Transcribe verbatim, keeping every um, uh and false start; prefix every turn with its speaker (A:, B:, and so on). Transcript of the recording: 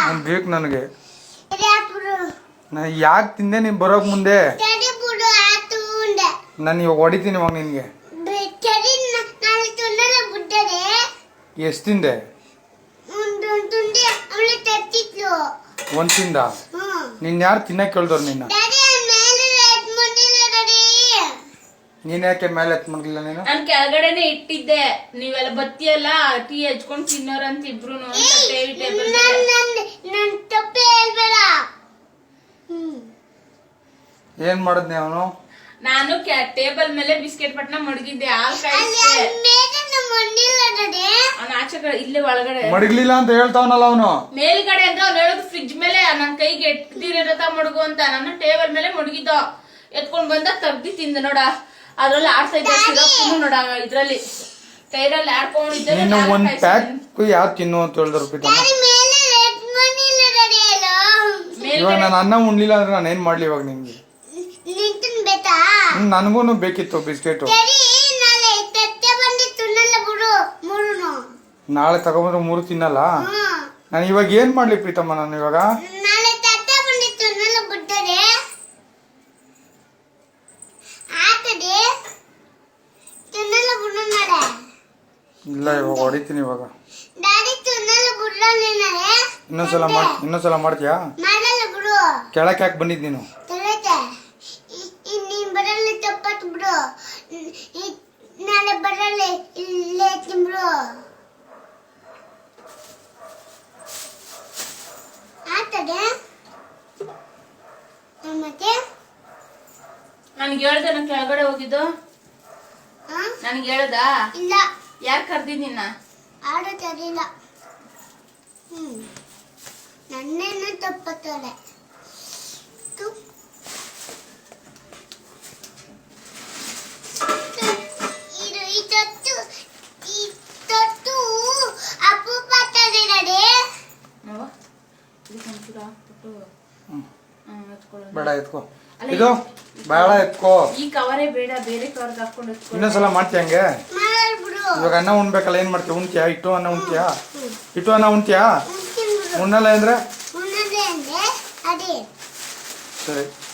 A: ಬೇಕು ನನಗೆ. ನಾನು ಯಾಕೆ ತಿಂದೆ ನೀನು ಬರೋಕ್ ಮುಂದೆ? ನಾನು ಇವಾಗ ಹೊಡಿತೀನಿ ಇವಾಗ ನಿನಗೆ. ಎಷ್ಟು ತಿಂದೆ? ಒಂದು ತಿಂದ? ನಿನ್ನ ಯಾರು ತಿನ್ನಕ್ಕೆ ಕೇಳ್ದವ್ರು ನಿನ್ನ? ನೀನ್ ಯಾಕೆ ಮೇಲೆ ಎತ್ ಮಾಡ್ಲಿಲ್ಲ ನೀನು?
B: ನಾನು ಕೆಳಗಡೆನೆ ಇಟ್ಟಿದ್ದೆ, ನೀವೆಲ್ಲ ಬತ್ತಿಯಲ್ಲ ಟೀ ಹಚ್ಕೊಂಡು ತಿನ್ನೋರು ಅಂತ ಇಬ್ರು.
A: ಏನ್ ಮಾಡದ್ನಿ ಅವನು?
B: ನಾನು ಟೇಬಲ್ ಮೇಲೆ ಬಿಸ್ಕೆಟ್ ಪಟ್ನ ಮಡಗಿದ್ದೆ, ಹಾಲ್ ಕಾಯಿಸ್ದೆ. ಅವ್ನ ಆಚೆ ಕಡೆ ಇಲ್ಲೇ ಒಳಗಡೆ
A: ಮಡಗ್ಲಿಲ್ಲ ಅಂತ ಹೇಳ್ತಾವನಲ್ಲ ಅವನು.
B: ಮೇಲ್ಗಡೆ ಅಂದ್ರೆ ಅವ್ನು ಹೇಳೋದು ಫ್ರಿಡ್ಜ್ ಮೇಲೆ ನನ್ ಕೈಗೆ ಎಟ್ದಿರತ ಮಡಗು ಅಂತ. ನಾನು ಟೇಬಲ್ ಮೇಲೆ ಮಡಗಿದ್ದ, ಎತ್ಕೊಂಡ್ ಬಂದ ತಗ್ದಿ ತಿಂದ ನೋಡ. ಅದ್ರಲ್ಲಿ ಆಡ್ತಾ ಇದ್ದ ಸಿರಪ್ ನೋಡ, ಇದ್ರಲ್ಲಿ ಕೈರಲ್ಲಿ ಆಡ್ಕೊಂಡಿದ್ದೆ.
A: ಒಂದ್ ಪ್ಯಾಕ್ ಯಾರು ತಿನ್ನು ಅಂತ ಹೇಳಿದ್ರು. ಇವಾಗ ನಾನು ಅನ್ನ ಉಣ್ಲಿಲ್ಲ ಅಂದ್ರೆ ನಾನು ಏನ್ ಮಾಡ್ಲಿ ಇವಾಗ ನಿಮ್ಗೆ? ನನ್ಗೂನು ಬೇಕಿತ್ತು ಬಿಸ್ಕೆಟ್. ನಾಳೆ ತಗೊಂಡ್ರೆ ಮೂರು ತಿನ್ನಲ್ಲ. ನಾನು ಇವಾಗ ಏನ್ ಮಾಡ್ಲಿ ಪ್ರೀತಮ್ಮ? ನಾನು ಇವಾಗ ಇಲ್ಲ, ಇವಾಗ ಹೊಡಿತೀನಿ. ಇವಾಗ ಇನ್ನೊಂದ್ಸಲ ಮಾಡ್ ಇನ್ನೊಂದ್ಸಲ ಮಾಡ್ತೀಯಾ? ಕೆಳಕ್ಕೆ ಯಾಕೆ ಬಂದಿದ್ ನೀನು?
B: ನನ್ಗೆ ಹೇಳ್ದೆ ನಾನು ಕೆಳಗಡೆ ಹೋಗಿದ್ದು? ನನ್ಗೆ ಹೇಳ್ದ?
C: ಇಲ್ಲ.
B: ಯಾರು ಕರ್ದಿದ್ ನಿನ್ನ?
C: ಆಡೋ ತರಿಲ್ಲ. ಹ್ಮ್ ನನ್ನೇನು ತಪ್ಪತ್ತಲೆ. ಇದು ಈ ತೊಟ್ಟು ಈ ತೊಟ್ಟು ಅಪೂಪ ತರಿರಡೆ.
A: ಬೇಡ ಎತ್ಕೋ, ಇದು ಬೇಡ ಎತ್ಕೋ.
B: ಈ ಕವರೇ ಬೇಡ, ಬೇರೆ ಕವರ್ಗೆ ಹಾಕೊಂಡು
A: ಇನ್ನೊಂದ್ಸಲ ಮಾಡ್ತೀಯ ಹಂಗೆ? ಇವಾಗ ಅನ್ನ ಉಣ್ಬೇಕಲ್ಲ, ಏನ್ ಮಾಡ್ತೀಯ? ಉಣ್ತೀಯಾ? ಇಟ್ಟು ಅನ್ನ ಉಣ್ತೀಯಾ? ಇಟ್ಟು ಅನ್ನ ಉಣ್ತೀಯಾ? ಉಣ್ಣಲ್ಲ ಅಂದ್ರೆ
C: ಸರಿ.